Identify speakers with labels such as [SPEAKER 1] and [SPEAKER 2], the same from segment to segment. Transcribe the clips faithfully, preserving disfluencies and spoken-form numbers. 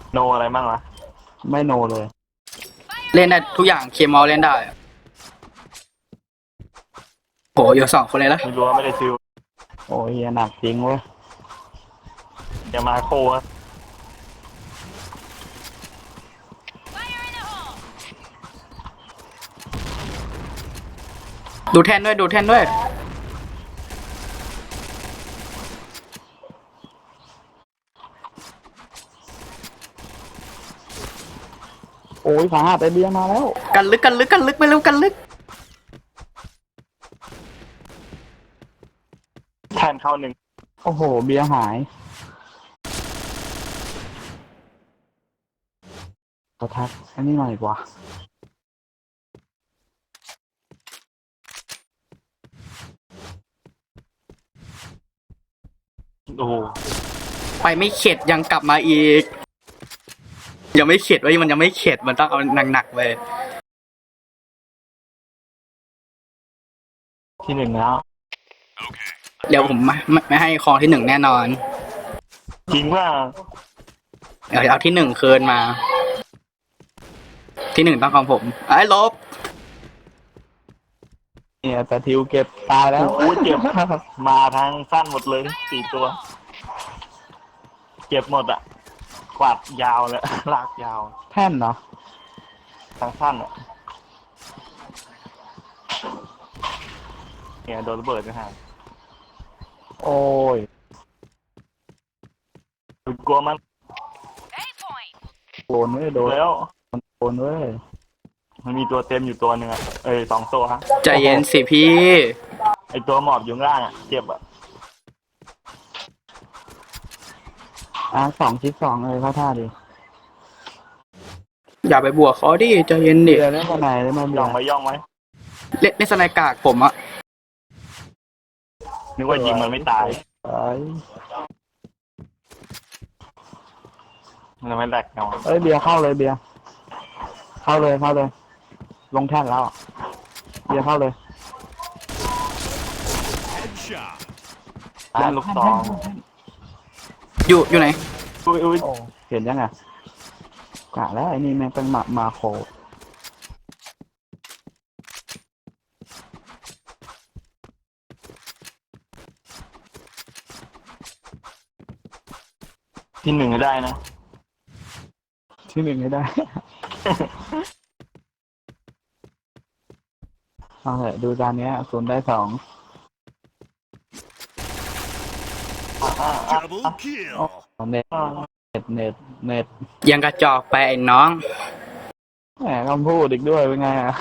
[SPEAKER 1] โนอะไรบ้างวะ
[SPEAKER 2] ไม่โนเลย
[SPEAKER 3] เล่นได้ทุกอย่างเคมอลเล่นได้โหอยู่สองคนเลยละ
[SPEAKER 1] ไม่รู้ว่าไม่ได้ซื้อ
[SPEAKER 2] โอ้ยหนักจริงเว้ย
[SPEAKER 1] เดี๋ยวมาโคอะ
[SPEAKER 3] ดูแท่นด้วยดูแท่นด้วย
[SPEAKER 2] โอ้ยขาหักไอเบียมาแล้ว
[SPEAKER 3] กันลึกกันลึกกันลึกไปเร็วกันลึก
[SPEAKER 1] แทนเข้าหนึ่ง
[SPEAKER 2] โอ้โหเบียหายขอทักอันนี้หน่อยกว่า
[SPEAKER 1] โอ้โห
[SPEAKER 3] ไปไม่เข็ดยังกลับมาอีกยังไม่เข็ดไว้มันยังไม่เข็ดมันต้องเอาหนักๆไป
[SPEAKER 1] ที่หนึ่งแล้ว
[SPEAKER 3] เดี๋ยวผมไม่ไม่ให้ครองที่หนึ่งแน่นอน
[SPEAKER 1] จริงว่า
[SPEAKER 3] เดี๋ยวเอาที่หนึ่งคืนมาที่หนึ่งต้องของผมไอ้ลบ
[SPEAKER 2] เนี่ยแต่ทิวเก็บตายแล้ว
[SPEAKER 1] โอ้ยเก็บมาทางสั้นหมดเลยสี่ตัวเก็บหมดอ่ะกวาดยาวเลยลากยาว
[SPEAKER 2] แท่นเนาะ
[SPEAKER 1] ทางสั้นอ่ะเนี่ยโดนระเบิดนะฮะ
[SPEAKER 2] โอ้ย
[SPEAKER 1] กลัวมัน
[SPEAKER 2] โดนเว้ยโดน
[SPEAKER 1] แล้ว
[SPEAKER 2] โดนเว้ย
[SPEAKER 1] มันมีตัวเต็มอยู่ตัวหนึ่งอ่ะเอ้ยสองตัวฮะ
[SPEAKER 3] ใจเย็นสิพี่
[SPEAKER 1] ไอตัวหมอบอยู่ข้างล่างอ่ะเจ็บอ่ะ
[SPEAKER 2] อ่ะสองชิดสองเลยเข้าท่าดิ
[SPEAKER 3] อย่าไปบวกเขาดิใจเย็นดิ
[SPEAKER 2] เดี๋ยวเล่นกันไหนเล่นมา
[SPEAKER 1] ย่องไหมย่องไหม
[SPEAKER 3] เล่นเล่นสไนกากผมอะ
[SPEAKER 1] นึกว่ายิงมันไม่ตาย
[SPEAKER 2] ไอ้
[SPEAKER 1] มันไม่แหลกเนาะ
[SPEAKER 2] เอ้ยเบียร์เข้าเลยเบียร์เข้าเลยเข้าเลยลงแท่นแล้วเบียร์เข้าเลย
[SPEAKER 1] อ่าลูกซอง
[SPEAKER 3] อยู่อยู่ไหน
[SPEAKER 1] อุ้ยอุ้ย
[SPEAKER 2] เห็นยังไงกะแล้วไอ้นี่แม่งเป็นมามาโค
[SPEAKER 1] ที่หนึ่งได้นะ
[SPEAKER 2] ที่หนึ่งไม่ได้เอาเถอะดูจานนี้ศูนย์ได้สองเน็ตเน็ตเน็ตเน็ต
[SPEAKER 3] ยังกระจอกไปไอ้น้อง
[SPEAKER 2] แหมคำพูดอีกด้วยเป็นไงอ่ะ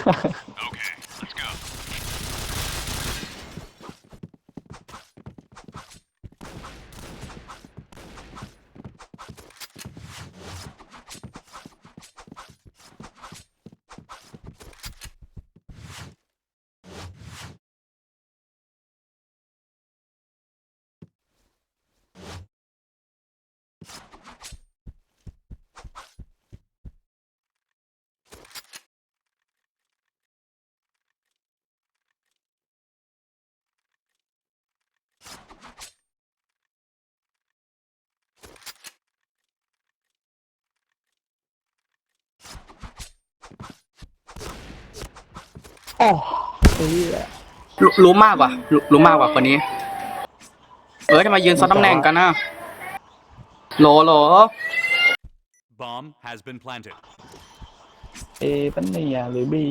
[SPEAKER 2] โอ้ย
[SPEAKER 3] รู้รู้มากกว่ารู้รู้มากกว่าคนนี้เออจะมายืนซ้อนตำแหน่งกันนะโหลโหล
[SPEAKER 4] Bomb has been planted
[SPEAKER 2] เอปันเนียหรือบี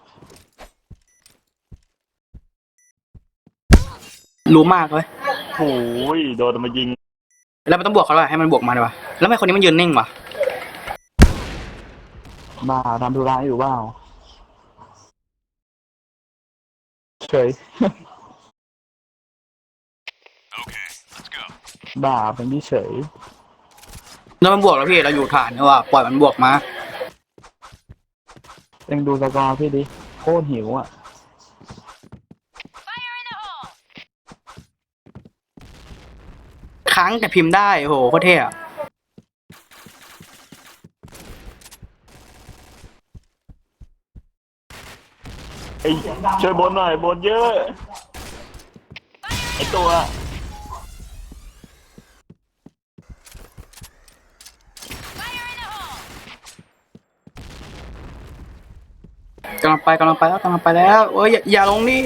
[SPEAKER 3] รู้มากเลย
[SPEAKER 1] โอ้ยโดนมายิง
[SPEAKER 3] แล้วมันต้องบวกเขาเลยให้มันบวกมาเลยวะแล้วทำไมคนนี้มันยืนนิ่งวะ
[SPEAKER 2] บ้าทำธุระอยู่บ้าเฉยบ้าเป็นที่เฉย
[SPEAKER 3] แล้วมันบวกแล้วพี่เราอยู่ฐานเนี่ยว่ะปล่อยมันบวกมา
[SPEAKER 2] เอ็งดูสกอร์พี่ดิโคตรหิวอ่ะ
[SPEAKER 3] ค้างแต่พิมพ์ได้โหโคตรเท่อะ
[SPEAKER 1] ไอ้ช่วยบนหน่อยบนเยอะไอ้ตัว
[SPEAKER 3] กำลังไปกำลังไปแล้วกำลังไปแล้วเอ้ยอย่าอย่าลงดิ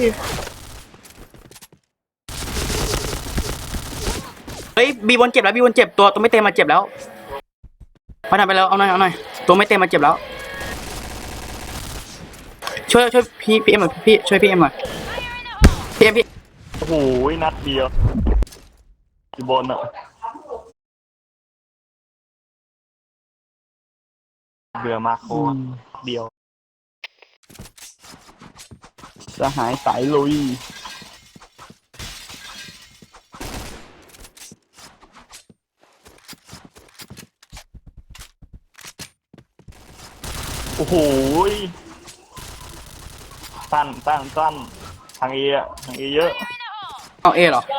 [SPEAKER 3] เฮ้ยบีบนเจ็บแล้วบีบนเจ็บตัวตัวไม่เต็มมาเจ็บแล้วมาทำไปแล้วเอาหน่อยเอาหน่อยตัวไม่เต็มมาเจ็บแล้วช่วยช่วยพี่พี่เอ็มหน่อยพี่ช่วยพี่เอ็มหน่อยพี่เอ็มพี่
[SPEAKER 1] โอ้โหนัดเดียวอยู่บนอ่ะเบื่อมากโคตรเดียว
[SPEAKER 2] สหายสายลุย
[SPEAKER 1] โอ้โหสั้นสั้นสั้นทางเออะทางเอเยอะ
[SPEAKER 3] เอาเอเหรอ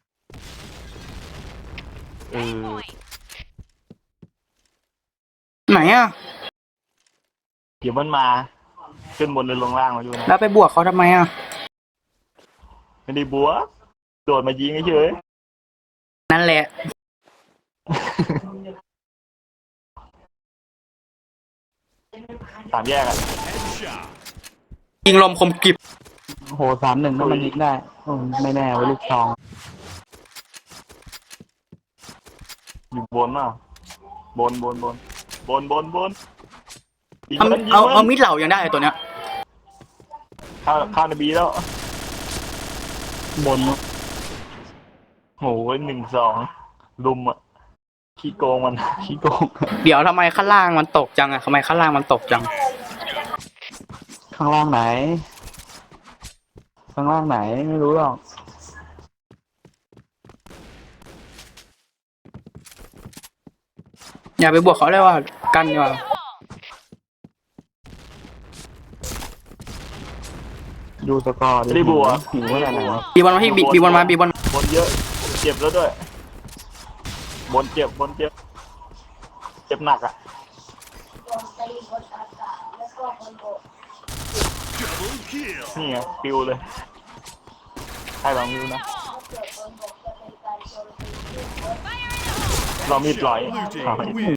[SPEAKER 1] เออ
[SPEAKER 3] ไหนอ่ะ
[SPEAKER 1] เดี๋ยวมันมาขึ้นบนหรือลงล่างมาอยู่นะ
[SPEAKER 3] แล้วไปบวกเขาทำไมอ่ะ
[SPEAKER 1] ไม่ได้บัวโดดมายิงเฉย
[SPEAKER 3] นั่นแหละ
[SPEAKER 1] สามแยกอะ
[SPEAKER 4] Headshot.
[SPEAKER 3] ยิงลมคมกริบ
[SPEAKER 2] โอ้โหสามหนึ่งนั่นมันยิงได้อืมไม่แน่ไว้ลูกทอง
[SPEAKER 1] อยู่บนอ่ะบนบนบนบนบนบนยิง
[SPEAKER 3] เอา
[SPEAKER 1] มันยิง
[SPEAKER 3] เอา
[SPEAKER 1] มั
[SPEAKER 3] เอา
[SPEAKER 1] น
[SPEAKER 3] มิดเหล่ายังได้ตัวเนี้ย
[SPEAKER 1] เข้าเข้าในบีแล้ว
[SPEAKER 2] บน
[SPEAKER 1] โหหนึ่งสองลุมอ่ะขี้โกงมัน
[SPEAKER 2] ขี้โกง
[SPEAKER 3] เดี๋ยวทำไมข้างล่างมันตกจังอ่ะทำไมข้างล่างมันตกจัง
[SPEAKER 2] ข้างล่างไหน ข้างล่างไหนไม่รู้หรอก
[SPEAKER 3] อย่าไปบวกเขาเลยว่ากันดีกว่า
[SPEAKER 2] ดูสกอร์ดิ
[SPEAKER 1] ไม่ได้บัว
[SPEAKER 2] หิวขนาดไหน
[SPEAKER 3] บีบอลมาพี่บีบีบอลมาบีบอล
[SPEAKER 1] บนเยอะ เจ็บแล้วด้วย บนเจ็บบนเจ็บ เจ็บหนักอ่ะ
[SPEAKER 4] Double kill.
[SPEAKER 1] นี่ไงปิวเลย ให้ลองดูนะลองมีดลอย
[SPEAKER 4] Blue
[SPEAKER 1] ลอง
[SPEAKER 4] team
[SPEAKER 1] มีด
[SPEAKER 4] win.